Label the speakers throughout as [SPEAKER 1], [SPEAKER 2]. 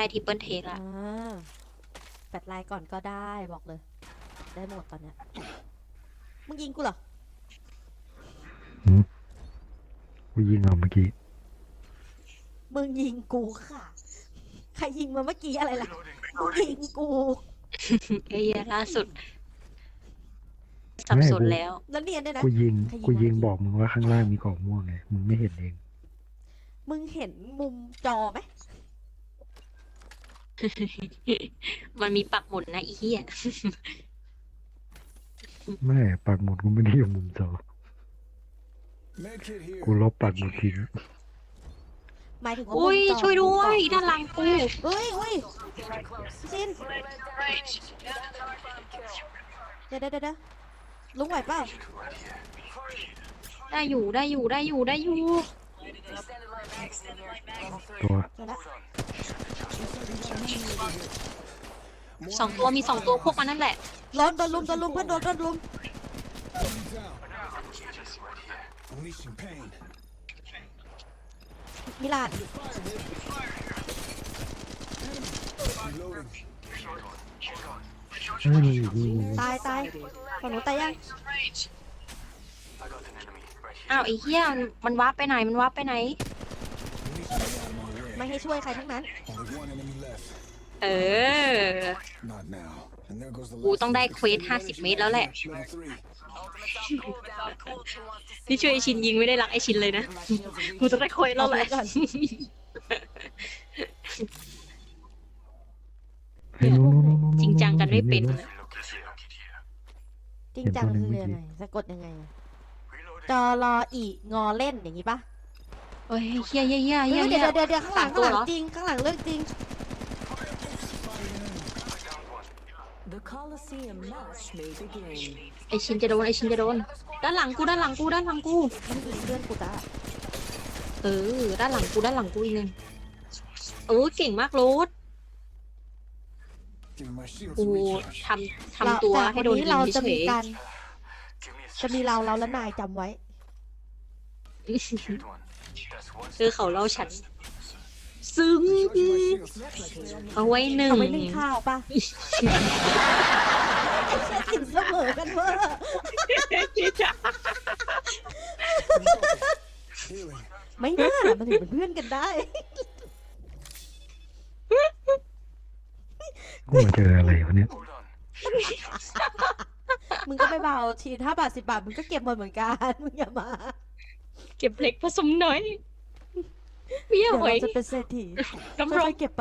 [SPEAKER 1] ทิปเปิลเทคละ
[SPEAKER 2] แปดลายก่อนก็ได้บอกเลยได้หมดตอนเนี้ยมึงยิงกูเหรอ
[SPEAKER 3] กูยิงเอาเมื่อกี้
[SPEAKER 2] มึงยิงกูค่ะใครยิงมาเมื่อกี้อะไรล่ะมึงยิงกู
[SPEAKER 1] ไอ้เหี้ยล่าสุดสับสนแล้ว
[SPEAKER 2] แล้วเนียนด้วยนะ
[SPEAKER 3] กูยิงบอกมึงว่าข้างล่างมีกล่องม่วงไงมึงไม่เห็นเอง
[SPEAKER 2] มึงเห็นมุมจอไหม
[SPEAKER 1] มันมีปักหมุดนะอีเหี้ย
[SPEAKER 3] ไม่ปักหมุดกูไม่ได้อยู่มุมจอกูลบปักหมุดทิ้ง
[SPEAKER 2] หมายถึงว่า
[SPEAKER 1] อุ้ยช่วยด้วยด้านหลังกู
[SPEAKER 2] เฮ้ยชินเดี๋ยวลุงไหวเปล่า
[SPEAKER 1] ได้อยู่
[SPEAKER 3] ตัว
[SPEAKER 1] 2 ตัวมี2 ตัวพวกมันนั่นแหละ
[SPEAKER 2] โดนลุมเพื่อนโดนลุมมิลาดตายฝั่งหนูตายยัง
[SPEAKER 1] อ้าวไอ้เหี้ยมันวาร์ปไปไหน
[SPEAKER 2] ไม่ให้ช่วยใครทั้งนั้น
[SPEAKER 1] กูต้องได้เควส50 เมตรแล้วแหละนี่ช่วยไอชินยิงไม่ได้รักไอชินเลยนะกูต้องได้เควสแล้วแหละจริงจังกันไม่เป็น
[SPEAKER 2] จริงจังคือยังไงสะกดยังไงจอรออีงอเล่นอย่างงี้ปะ
[SPEAKER 1] โอ้ยเฮีย
[SPEAKER 2] เดี๋ยวข้างหลังจริงข้างหลังเรื่องจริง
[SPEAKER 1] ไอชินจะโดนด้านหลังกู
[SPEAKER 2] เพื่อนกูจ้า
[SPEAKER 1] ด้านหลังกูอีกนึงเก่งมากโรสกูทำตัวให้โดนยิงเฉย
[SPEAKER 2] จะมีเราและนายจำไว้
[SPEAKER 1] เขาเล่าฉันซึ้งเอาไว้หนึ่ง
[SPEAKER 2] ข้าวป่ะกินเสมอกันเวอร์ไม่น่ามันถึงเป็นเพื่อนกันได้
[SPEAKER 3] กูมาเจออะไรวะเนี่ย
[SPEAKER 2] มึงก็ไม่เบาที5 บาท 10 บาทมึงก็เก็บหมดเหมือนกันมึงอย่ามา
[SPEAKER 1] เก็บเล็กผสมน้อยเดี๋ยว
[SPEAKER 2] เราจะเป็นเศรษฐีค่อยๆเก็บไป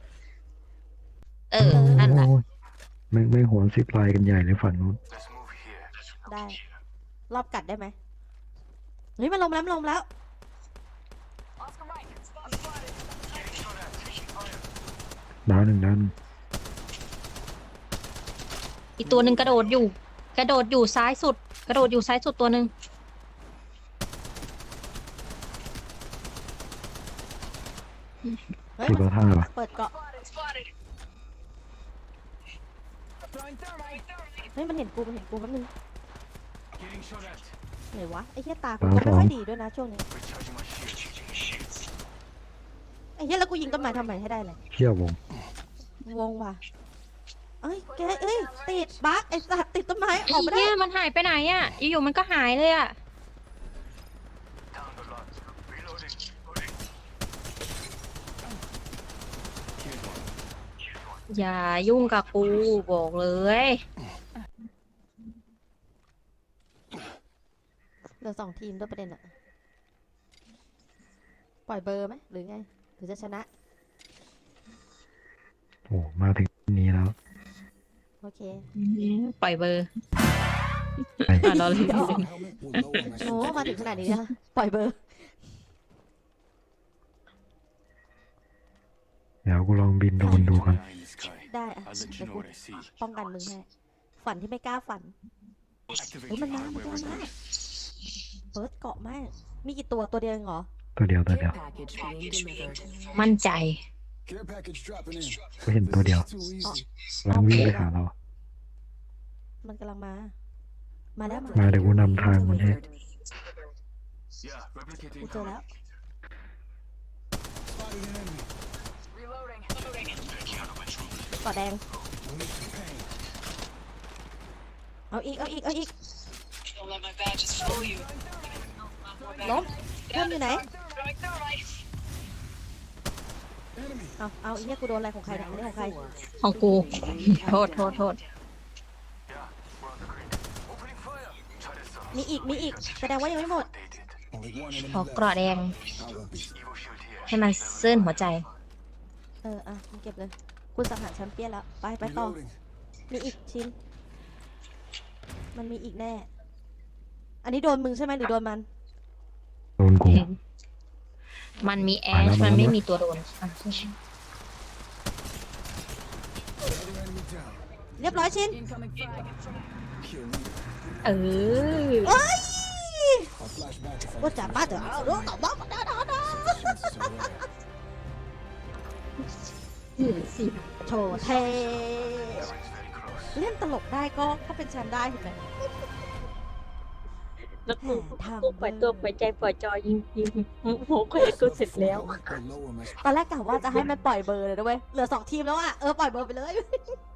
[SPEAKER 1] นั่นแหละ
[SPEAKER 3] ไม่หัว10 ลายกันใหญ่เลยฝั่งนู้น
[SPEAKER 2] ได้รอบกัดได้ไหมเฮ้ยมันลมแล้ว
[SPEAKER 3] ดาวหนึ่ง
[SPEAKER 1] อีกตัวหนึ่งกระโดดอยู่ซ้ายสุดตัวหนึ่ง
[SPEAKER 3] คือตัวท่าปะ
[SPEAKER 2] เปิดเกาะเฮ้ยมันเห็นกูแป๊บนึงไหนวะไอ้เหี้ยตากูไม่ค่อยดีด้วยนะช่วงนี้ไอ้เหี้ยแล้วกูยิงต้นไม้ทำไมให้ได้เลย
[SPEAKER 3] เชี่ยว
[SPEAKER 2] วงว่ะเอ้ยติดบั๊กไอ้สัตว์ติดต้นไม้ออกไม่ได้
[SPEAKER 1] เนี่ยมันหายไปไหนอ่ะอยู่ๆมันก็หายเลยอ่ะอย่ายุ่งกับกูบอกเลย
[SPEAKER 2] เหลือ2 ทีมด้วยประเด็นอะปล่อยเบอร์ไหมหรือไงหรือจะชนะ
[SPEAKER 3] โอ้มาถึงนี้แล้ว
[SPEAKER 2] โอเค
[SPEAKER 1] ปล่อยเบอร์เราเลย
[SPEAKER 2] โอ้มาถึงขนาดนี้นะปล่อยเบอร์
[SPEAKER 3] เดี๋ยวกูลองบินโดนดูกัน
[SPEAKER 2] ได้อะเดี๋ยวกูป้องกันมึงให้ฝันที่ไม่กล้าฝันเฮ้ยมันมาเปิดเกาะมากมีกี่ตัวเดียวเหรอ
[SPEAKER 3] ตัวเดียว
[SPEAKER 1] มั่นใจ
[SPEAKER 3] กูเห็นตัวเดียวลังวิ่งไปหาเรา
[SPEAKER 2] มันกำลังมาแล้ว
[SPEAKER 3] มาเดี๋ยวกูนำทางมันให้
[SPEAKER 2] กูเจอแล้วก่อแดง เอาอีก เอาอีก เอาอีก ล้มเพื่อนอยู่ไหน เอาอีกเนี่ยกูโดนอะไรของใครเนี่ยอันนี้ของใคร
[SPEAKER 1] ของกู โทษ
[SPEAKER 2] มีอีก แสดงว่ายังไม่หมด
[SPEAKER 1] ขอเกราะแดง ให้มันซื่นหัวใจ
[SPEAKER 2] มึงเก็บเลย คุณสังหารแชมเปี้ยนแล้ว ไปต่อ มีอีกชิ้น มันมีอีกแน่ อันนี้โดนมึงใช่ไหมหรือโดนมัน
[SPEAKER 3] โดนกู
[SPEAKER 1] มันมีแอ
[SPEAKER 3] มาแล้
[SPEAKER 1] ช
[SPEAKER 3] ว
[SPEAKER 1] มันไม่
[SPEAKER 3] มาแล้ว
[SPEAKER 1] มีตัวโดนอ่ะ
[SPEAKER 2] เรียบร้อยชิ้น
[SPEAKER 1] เออ
[SPEAKER 2] เอ้ยว่าจะมาเถอะเอาลูกต่อบ้ามาได้โชว์เทเล่นตลกได้ก็เป็นแชมป์ได้เห็นไหม
[SPEAKER 1] แล้วกูปล่อยตัวปล่อยใจปล่อยจอยยิงโหเคยกูเสร็จแล้ว
[SPEAKER 2] ตอนแรกกะว่าจะให้มันปล่อยเบอร์เลยนะเว้ย เหลือ2 ทีมแล้วอ่ะ ปล่อยเบอร์ไปเลย